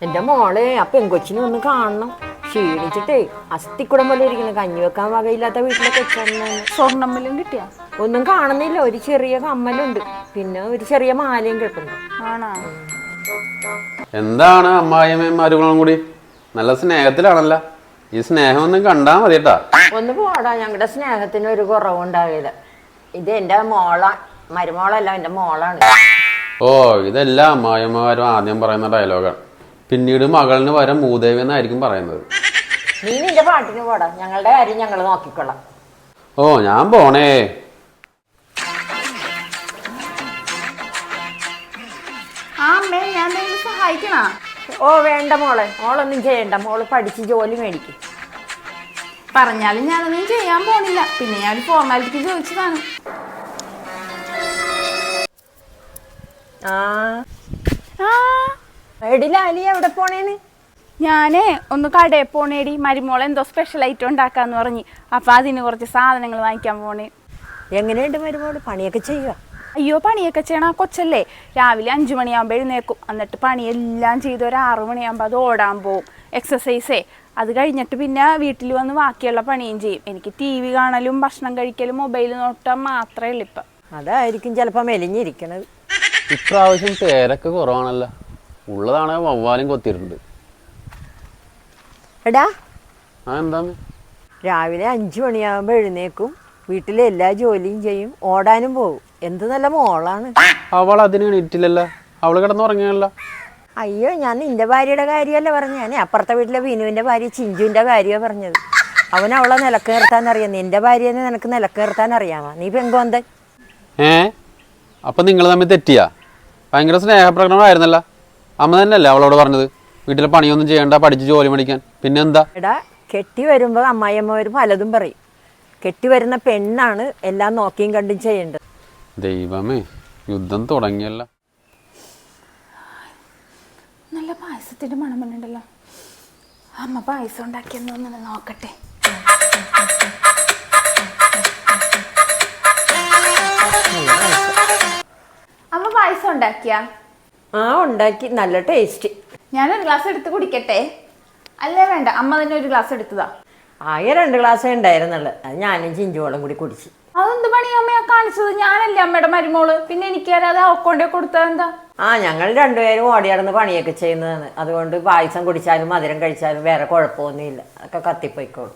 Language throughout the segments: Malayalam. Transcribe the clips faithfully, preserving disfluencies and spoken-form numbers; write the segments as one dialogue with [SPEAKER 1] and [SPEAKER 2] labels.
[SPEAKER 1] എന്റെ മോളെ ആ പെങ്കൊച്ചിനെ ഒന്ന് കാണണം. ക്ഷീണിച്ചിട്ടേ അസ്ഥിക്കുടം പോലെ ഇരിക്കുന്നു. കഞ്ഞി വെക്കാൻ വകയില്ലാത്ത വീട്ടിലൊക്കെ വെച്ചാൽ
[SPEAKER 2] സ്വർണ്ണമ്മലും കിട്ടിയാ
[SPEAKER 1] ഒന്നും കാണുന്നില്ല. ഒരു ചെറിയ കമ്മലുണ്ട്, പിന്നെ ഒരു ചെറിയ മാലയും കിട്ടുന്നു.
[SPEAKER 2] ആണോ?
[SPEAKER 3] എന്താണ് അമ്മായിയമ്മയും മരുമകളും കൂടി നല്ല സ്നേഹത്തിലാണല്ലോ. ഈ സ്നേഹം ഒന്നും കണ്ടാ മതിട്ടാ.
[SPEAKER 1] ഒന്ന് പോടാ, ഞങ്ങളുടെ സ്നേഹത്തിന് ഒരു കുറവുണ്ടാവില്ല. ഇത് എന്റെ മോള, മരുമോളല്ല, എന്റെ മോളാണ്.
[SPEAKER 3] ഓ, ഇതെല്ലാം അമ്മായിയമ്മമാരും ആദ്യം പറയുന്ന ഡയലോഗാണ്. പിന്നീട് മകളിന് വരെ മൂദേവി എന്നായിരിക്കും പറയുന്നത്.
[SPEAKER 1] നീ നിന്റെ പാട്ടിന് പോടാ, ഞങ്ങളുടെ കാര്യം ഞങ്ങൾ നോക്കിക്കൊള്ളാം.
[SPEAKER 3] ഓ, ഞാൻ പോണേ.
[SPEAKER 2] ആ അമ്മേ, ഞാൻ സഹായിക്കണ?
[SPEAKER 1] ഓ വേണ്ട മോളെ, മോളൊന്നും ചെയ്യണ്ട. മോള് പഠിച്ച് ജോലി മേടിക്കും.
[SPEAKER 2] പറഞ്ഞാലും ഞാനൊന്നും ചെയ്യാൻ പോണില്ല. പിന്നെ ഞാൻ ഒരു ഫോർമാലിറ്റിക്ക് ചോദിച്ചതാണ്.
[SPEAKER 1] ആ എടി ലാലി, എവിടെ പോണേന്ന്?
[SPEAKER 2] ഞാനേ ഒന്ന് കടയിൽ പോണേടി. മരുമോളെ എന്തോ സ്പെഷ്യൽ ഐറ്റം ഉണ്ടാക്കാന്ന് പറഞ്ഞ്, അപ്പൊ അതിന് കുറച്ച് സാധനങ്ങൾ വാങ്ങിക്കാൻ പോണേ.
[SPEAKER 1] എങ്ങനെയുണ്ട് മരുമോള്? പണിയൊക്കെ ചെയ്യുക?
[SPEAKER 2] അയ്യോ, പണിയൊക്കെ ചെയ്യണ കൊച്ചല്ലേ. രാവിലെ അഞ്ചു മണിയാകുമ്പോൾ എഴുന്നേക്കും. എന്നിട്ട് പണിയെല്ലാം ചെയ്ത് ഒരു ആറു മണിയാകുമ്പോൾ അത് ഓടാൻ പോവും, എക്സസൈസേ. അത് കഴിഞ്ഞിട്ട് പിന്നെ വീട്ടിൽ വന്ന് ബാക്കിയുള്ള പണിയും ചെയ്യും. എനിക്ക് ടി വി കാണലും ഭക്ഷണം കഴിക്കലും മൊബൈൽ നോട്ടാൻ മാത്രമേ ഉള്ളൂ ഇപ്പം.
[SPEAKER 1] അതായിരിക്കും ചിലപ്പോൾ മെലിഞ്ഞിരിക്കണത്.
[SPEAKER 3] ഇപ്രാവശ്യം പേരൊക്കെ കുറവാണല്ലോ. ഉള്ളതാണെ വവ്വാലും കൊത്തിയിട്ടുണ്ട്.
[SPEAKER 1] എടാ,
[SPEAKER 3] ആ എന്താണ്?
[SPEAKER 1] രാവിലെ അഞ്ചു മണിയാകുമ്പോൾ എഴുന്നേക്കും, വീട്ടിലെ എല്ലാ ജോലിയും ചെയ്യും, ഓടാനും പോകും. എന്ത് നല്ല മോളാണ്.
[SPEAKER 3] അവൾ അതിന് എണീറ്റില്ലല്ലോ. അവള് കിടന്നുറങ്ങിയല്ലോ.
[SPEAKER 1] അയ്യോ, ഞാൻ നിന്റെ ഭാര്യയുടെ കാര്യമല്ല പറഞ്ഞു. ഞാൻ അപ്പുറത്തെ വീട്ടിലെ വിനുവിന്റെ ഭാര്യ ചിഞ്ചുവിന്റെ കാര്യമാണ് പറഞ്ഞത്. അവൻ അവളെ നിലക്ക് നിർത്താൻ അറിയാം. നിന്റെ ഭാര്യനെ നിനക്ക് നിലക്ക് നിർത്താൻ അറിയാമോ? നീ പെങ്കോന്തൻ.
[SPEAKER 3] ഏ അപ്പൊ നിങ്ങൾ തമ്മിൽ തെറ്റിയാ? ഭയങ്കര സ്നേഹപ്രകടനമായിരുന്നല്ലോ. അമ്മ തന്നെയല്ലേ അവളോട് പറഞ്ഞത് വീട്ടിലെ പണിയൊന്നും ചെയ്യണ്ട, പഠിച്ച് ജോലി മേടിക്കാൻ? പിന്നെന്താ?
[SPEAKER 1] എടാ, കെട്ടി വരുമ്പോൾ അമ്മായിയമ്മമാർ പലതും പറയും. കെട്ടി വരുന്ന പെണ്ണാണ് എല്ലാം നോക്കിയും കണ്ടും ചെയ്യേണ്ടത്.
[SPEAKER 3] ദൈവമേ, യുദ്ധം തുടങ്ങിയല്ലോ.
[SPEAKER 2] നല്ല പായസത്തിന്റെ മണമുണ്ടല്ലോ. അമ്മ പായസം ഉണ്ടാക്കിയെന്നൊന്ന് നോക്കട്ടെ. അമ്മ പായസം ഉണ്ടാക്കിയാ?
[SPEAKER 1] ആ ഉണ്ടാക്കി, നല്ല ടേസ്റ്റ്.
[SPEAKER 2] ഞാനൊരു ഗ്ലാസ് എടുത്ത് കുടിക്കട്ടെ? അല്ലേ വേണ്ട, അമ്മ തന്നെ ഒരു ഗ്ലാസ് എടുത്തതാ.
[SPEAKER 1] ആകെ രണ്ട് ഗ്ലാസ്സേ ഉണ്ടായിരുന്നുള്ളു. അത് ഞാനും ചിഞ്ചുവോളം കൂടി കുടിച്ചു.
[SPEAKER 2] അതെന്ത് പണിയാ അമ്മയാ കാണിച്ചത്? ഞാനല്ലേ അമ്മയുടെ മരുമോള്, പിന്നെ എനിക്കറിയാതെ അവക്കൊണ്ടേ കൊടുത്തത് എന്താ?
[SPEAKER 1] ആ ഞങ്ങൾ രണ്ടുപേരും ഓടിയാടുന്ന് പണിയൊക്കെ ചെയ്യുന്നതാണ്. അതുകൊണ്ട് പായസം കുടിച്ചാലും മധുരം കഴിച്ചാലും വേറെ കുഴപ്പമൊന്നുമില്ല. അതൊക്കെ കത്തിപ്പോയിക്കോളും.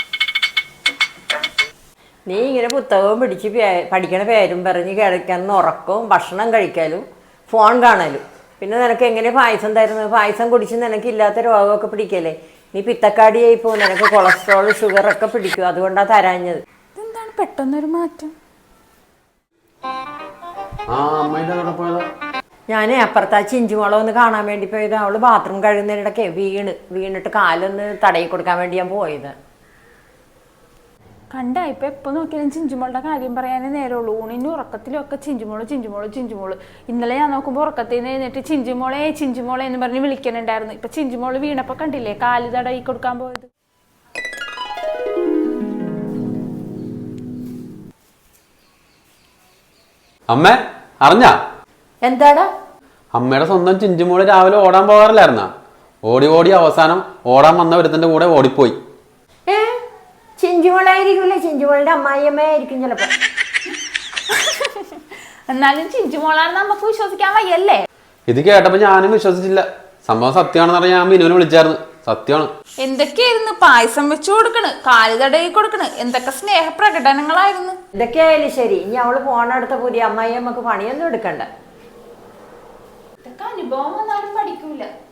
[SPEAKER 1] നീ ഇങ്ങനെ പുസ്തകവും പിടിച്ച് പഠിക്കണ പേരും പറഞ്ഞ് കിടക്കാൻ ഉറക്കവും ഭക്ഷണം കഴിക്കലും ഫോൺ കാണലും. പിന്നെ നിനക്ക് എങ്ങനെ പായസം തരുന്നത്? പായസം കുടിച്ച് നിനക്ക് ഇല്ലാത്ത രോഗമൊക്കെ പിടിക്കല്ലേ? നീ പിത്തക്കാടിയായി പോകും, നിനക്ക് കൊളസ്ട്രോൾ ഷുഗർ ഒക്കെ പിടിക്കും. അതുകൊണ്ടാണ് തരാഞ്ഞത്.
[SPEAKER 2] എന്താണ് പെട്ടെന്നൊരു മാറ്റം?
[SPEAKER 1] ഞാൻ അപ്പുറത്ത് ആ ചിഞ്ചുമോളെ ഒന്ന് കാണാൻ വേണ്ടി പോയത്. അവള് ബാത്റൂം കഴുകുന്നതിനിടയ്ക്ക് വീണ് വീണിട്ട് കാലൊന്ന് തടയി കൊടുക്കാൻ വേണ്ടി ഞാൻ പോയത്.
[SPEAKER 2] കണ്ട, ഇപ്പൊ എപ്പോ നോക്കിയാലും ചിഞ്ചുമോളുടെ കാര്യം പറയാനേ നേരമുള്ളൂ. ഊണിനും ഉറക്കത്തിലും ഒക്കെ ചിഞ്ചുമോള് ചിഞ്ചുമോള് ചിഞ്ചുമോള്. ഇന്നലെ ഞാൻ നോക്കുമ്പോൾ ഉറക്കത്തിൽ നിന്ന് എഴുന്നേറ്റ് ചിഞ്ചുമോളെ ചിഞ്ചുമോളെ എന്ന് പറഞ്ഞ് വിളിക്കണുണ്ടായിരുന്നു. ഇപ്പൊ ചിഞ്ചുമോള് വീണപ്പോ കണ്ടില്ലേ കാല് തടയി കൊടുക്കാൻ പോയത്.
[SPEAKER 3] അമ്മ അറിഞ്ഞ?
[SPEAKER 1] എന്താടാ?
[SPEAKER 3] അമ്മയുടെ സ്വന്തം ചിഞ്ചുമോള് രാവിലെ ഓടാൻ പോകാറില്ലായിരുന്ന? ഓടി ഓടി അവസാനം ഓടാൻ വന്ന ഒരുത്തന്റെ കൂടെ ഓടിപ്പോയി.
[SPEAKER 1] ഏ ചിഞ്ചുമോളായിരിക്കൂല്ലേ? ചിഞ്ചുമോളുടെ അമ്മായിയമ്മയായിരിക്കും ചിലപ്പോ.
[SPEAKER 2] എന്നാലും ചിഞ്ചുമോളാണ് നമുക്ക് വിശ്വസിക്കാൻ വയ്യല്ലേ?
[SPEAKER 3] ഇത് കേട്ടപ്പോ ഞാനും വിശ്വസിച്ചില്ല. സംഭവം സത്യമാണെന്ന് പറഞ്ഞാൽ ഞാൻ മിനുവിനെ വിളിച്ചായിരുന്നു. സത്യമാണ്.
[SPEAKER 2] എന്തൊക്കെയായിരുന്നു? പായസം വെച്ചു കൊടുക്കണ്, കാല് തടയി കൊടുക്കണ്, എന്തൊക്കെ സ്നേഹപ്രകടനങ്ങളായിരുന്നു.
[SPEAKER 1] എന്തൊക്കെയായാലും ശരി, ഇനി അവള് പോണടുത്ത പുതിയ അമ്മായിയമ്മക്ക് പണിയൊന്നും എടുക്കണ്ട.
[SPEAKER 2] ഇതൊക്കെ അനുഭവം വന്നാലും പഠിക്കൂല.